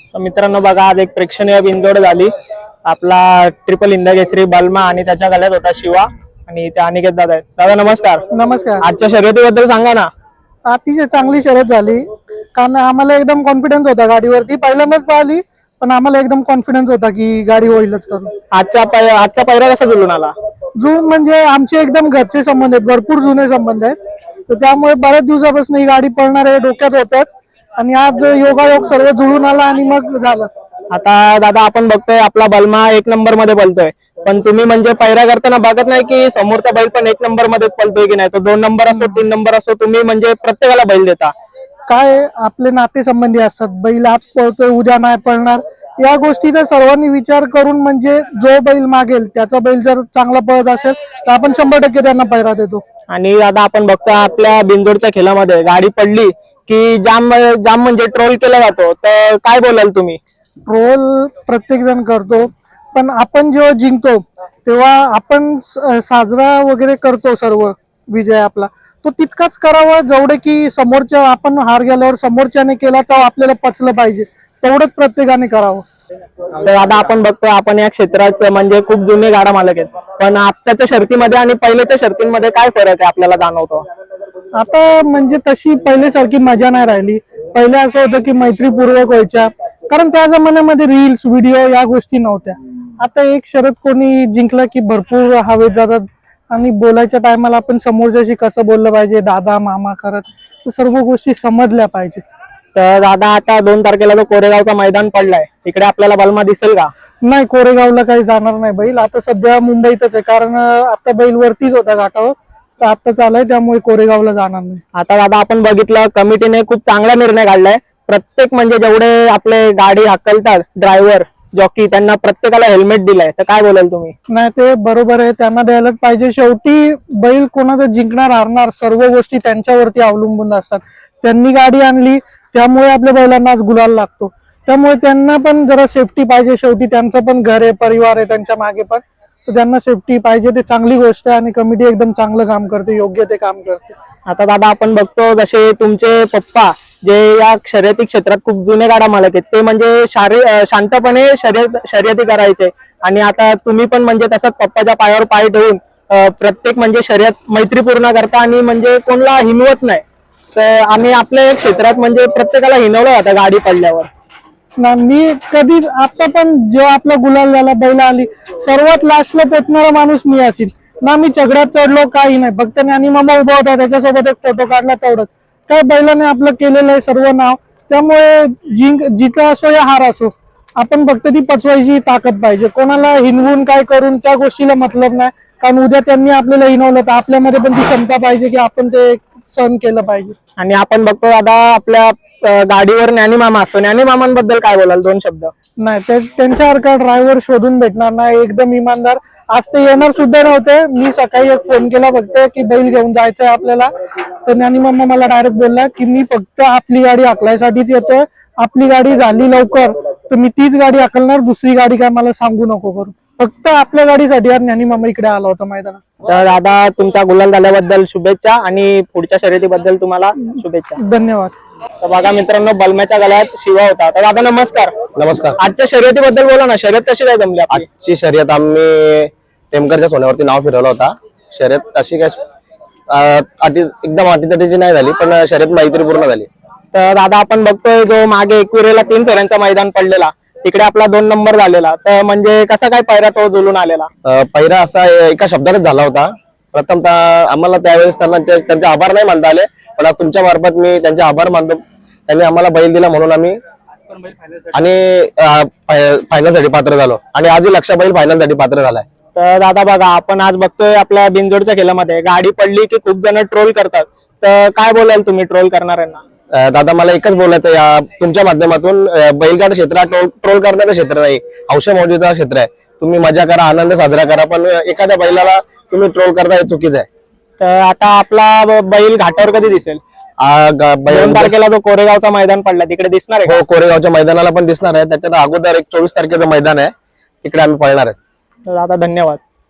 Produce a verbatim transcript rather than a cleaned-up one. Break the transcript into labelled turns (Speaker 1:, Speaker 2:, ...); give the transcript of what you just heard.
Speaker 1: तर मित्रांनो बघा, आज एक प्रेक्षणीय बिनजोड झाली. आपला ट्रिपल हिंदकेसरी बलमा आणि त्याच्या गळ्यात होता शिवा आणि ते अनिकेत दादा आहेत. दादा नमस्कार.
Speaker 2: नमस्कार.
Speaker 1: आजच्या शर्यतीबद्दल सांगा ना.
Speaker 2: अतिशय चांगली शर्यत झाली, कारण आम्हाला एकदम कॉन्फिडन्स होता गाडीवरती. पहिल्यांदाच पाहिली, पण आम्हाला एकदम कॉन्फिडन्स होता की गाडी होईलच करून.
Speaker 1: आजचा पै- आजचा पहिरा कसा जुळून आला?
Speaker 2: जुळून म्हणजे आमचे एकदम घरचे संबंध आहेत, भरपूर जुने संबंध आहेत. तर त्यामुळे बऱ्याच दिवसापासून ही गाडी पळणार आहे डोक्यात होतात, आणि आज योगायोग सर्व जुळून आला आणि मग झालं.
Speaker 1: आता दादा आपण बघतोय आपला बलमा एक नंबर मध्ये पळतोय, पण तुम्ही म्हणजे पैरा करताना बघत नाही की समोरचा बैल पण एक नंबर मध्येच पळतोय की नाही. तो दोन नंबर असो तीन नंबर असो, तुम्ही म्हणजे प्रत्येकाला बैल देता.
Speaker 2: काय आपले नातेसंबंधी असतात, बैल आज पळतोय उद्या नाही पळणार, या गोष्टीचा सर्वांनी विचार करून म्हणजे जो बैल मागेल त्याचा बैल जर चांगला पळत असेल तर आपण शंभर टक्के त्यांना पैरा देतो.
Speaker 1: आणि दादा आपण बघतो आपल्या बिनजोडच्या खेळामध्ये गाडी पडली की जाम जाम म्हणजे ट्रोल केला जातो. तर काय बोलाल तुम्ही?
Speaker 2: ट्रोल प्रत्येक जण करतो, पण आपण जेव्हा जिंकतो तेव्हा आपण स- साजरा वगैरे करतो. सर्व विजय आपला तो तितकाच करावा जेवढे की समोरच्या, आपण हार गेल्यावर समोरच्याने केला तर आपल्याला पचलं पाहिजे, तेवढंच प्रत्येकाने करावं.
Speaker 1: तर दादा आपण बघतोय आपण या क्षेत्रात म्हणजे खूप जुने गाडा मालक आहेत, पण आत्ताच्या शर्तीमध्ये आणि पहिल्याच्या शर्तीमध्ये काय फरक आहे आपल्याला जाणवतो?
Speaker 2: आता म्हणजे तशी पहिल्यासारखी मजा नाही राहिली. पहिले असं होतं की मैत्रीपूर्वक व्हायच्या, कारण त्या जमान्यामध्ये रील्स व्हिडिओ या गोष्टी नव्हत्या. आता एक शर्यत कोणी जिंकलं की भरपूर हवेत जातात, आणि बोलायच्या टायमाला आपण समोरच्याशी कसं बोललं पाहिजे, दादा मामा करत, तर सर्व गोष्टी समजल्या पाहिजे.
Speaker 1: तर दादा आता दोन तारखेला जो कोरेगावचा मैदान पडलाय, तिकडे आपल्याला बलमा दिसेल का?
Speaker 2: नाही, कोरेगावला काही जाणार नाही बैल. आता सध्या मुंबईतच आहे, कारण आता बैल वरतीच होता घाटावर, तर आता चालय, त्यामुळे कोरेगावला जाणार नाही.
Speaker 1: आता दादा आपण बघितलं कमिटीने खूप चांगला निर्णय काढलाय. प्रत्येक म्हणजे जेवढे आपले गाडी हाकलतात ड्रायव्हर जॉकी, त्यांना प्रत्येकाला हेल्मेट दिलाय. तर काय बोलाल तुम्ही?
Speaker 2: नाही, ते बरोबर आहे, त्यांना द्यायलाच पाहिजे. शेवटी बैल कोणाचं जिंकणार हारणार सर्व गोष्टी त्यांच्यावरती अवलंबून असतात. त्यांनी गाडी आणली त्यामुळे आपल्या बैलांना आज गुलाल लागतो, त्यामुळे त्यांना पण जरा सेफ्टी पाहिजे. शेवटी त्यांचं पण घर आहे, परिवार आहे त्यांच्या मागे पण, तर त्यांना सेफ्टी पाहिजे. ते चांगली गोष्ट आहे, आणि कमिटी एकदम चांगलं काम करते, योग्य ते काम करते.
Speaker 1: आता दादा आपण बघतो जसे तुमचे पप्पा जे या शर्यती क्षेत्रात खूप जुने गाडा मालक आहेत, ते म्हणजे शारी शांतपणे शर्यत शर्यती करायचे, आणि आता तुम्ही पण म्हणजे तसंच पप्पाच्या पायावर पाय ठेवून अं, प्रत्येक म्हणजे शर्यत मैत्रीपूर्ण करता आणि म्हणजे कोणाला हिनवत नाही. तर आम्ही आपल्या क्षेत्रात म्हणजे प्रत्येकाला हिनवलं जातं गाडी पडल्यावर.
Speaker 2: ना मी कधी आता पण जेव्हा आपला गुलाल झाला, बैल आली, सर्वात लास्टला पेटणारा माणूस मी असेल ना. मी चगड्यात चढलो काही नाही, फक्त ज्ञानी मामा उभा होता त्याच्यासोबत एक फोटो काढला, तेवढंच. काय बैलाने आपलं केलेलं आहे सर्व नाव, त्यामुळे जिंक जिंका असो या हार असो, आपण फक्त ती पचवायची ताकद पाहिजे. कोणाला हिनवून काय करून त्या गोष्टीला मतलब नाही, कारण उद्या त्यांनी आपल्याला हिनवलं तर आपल्यामध्ये पण ती क्षमता पाहिजे की आपण ते सहन केलं पाहिजे.
Speaker 1: आणि आपण बघतो दादा आपल्या अं, गाडीवर ज्ञानी मामा असतो. ज्ञानी मामांबद्दल काय बोलाल दोन शब्द?
Speaker 2: नाही, ते त्यांच्यासारखा ड्रायव्हर शोधून भेटणार नाही, एकदम इमानदार. आज ते येणार सुद्धा नव्हते, मी सकाळी एक फोन केला फक्त की बैल घेऊन जायचंय आपल्याला, तर ज्ञानी मामा मला डायरेक्ट बोलला की मी फक्त आपली गाडी हाकलायसाठीच येतोय, आपली गाडी झाली लवकर तर मी तीच गाडी हाकलणार, दुसरी गाडी काय मला सांगू नको करू, फक्त आपल्या गाडीसाठी आज ज्ञानी मामा इकडे आला होता मैदानात.
Speaker 1: तर दादा तुमचा गुलाल झाल्याबद्दल शुभेच्छा, आणि पुढच्या शर्यतीबद्दल तुम्हाला शुभेच्छा.
Speaker 2: धन्यवाद.
Speaker 1: तर बघा मित्रांनो, बलम्याच्या गळ्यात शिवा होता. तर दादा नमस्कार.
Speaker 3: नमस्कार.
Speaker 1: आजच्या शर्यतीबद्दल बोला ना, शर्यत कशी काय जमली आपली?
Speaker 3: आजची शर्यत आम्ही टेमकरच्या सोन्यावरती नाव फिरवलं होता. शर्यत अशी काय अं, अटी एकदम अटीतटीची नाही झाली, पण शर्यत मैत्रीपूर्ण झाली.
Speaker 1: तर दादा आपण बघतोय जो मागे एकविरेला तीन फेऱ्यांचा मैदान पडलेला, तिकडे आपला दोन नंबर झालेला, तर म्हणजे कसा काय पैरा तो जुळून आलेला?
Speaker 3: अं, पहिला असा एका शब्दानेच झाला होता. प्रथमतः आम्हाला त्यावेळेस त्यांना त्यांचे आभार नाही मानता आले, पण आज तुमच्या मार्फत मी त्यांचे आभार मानतो. त्यांनी आम्हाला बैल दिला म्हणून आम्ही आणि फायनल साठी पात्र झालो, आणि आजही लक्ष बैल फायनल साठी पात्र झालाय.
Speaker 1: तर दादा बघा आपण आज बघतोय आपल्या बिनजोडच्या खेळामध्ये गाडी पडली की खूप जण ट्रोल करतात. तर काय बोलाल तुम्ही ट्रोल करणाऱ्यांना?
Speaker 3: अं, दादा मला एकच बोलायचं या तुमच्या माध्यमातून, अं, बैलगाडा क्षेत्र ट्रोल ट्रोल करण्याचं क्षेत्र नाही, हौशा मौजीचं क्षेत्र आहे. तुम्ही मजा करा, आनंद साजरा करा, पण एखाद्या बैलाला तुम्ही ट्रोल करता हे चुकीचं आहे.
Speaker 1: तर आता आपला बैल घाटावर कधी दिसेल?
Speaker 3: आ, ग- बैल-
Speaker 1: दोन तारखेला जो कोरेगावचा मैदान पडला तिकडे दिसणार आहे
Speaker 3: हो,
Speaker 1: का?
Speaker 3: कोरेगावच्या मैदानाला पण दिसणार आहे. त्याच्यात अगोदर एक चोवीस तारखेचं मैदान आहे, तिकडे आम्ही पळणार आहे.
Speaker 1: तर दादा धन्यवाद.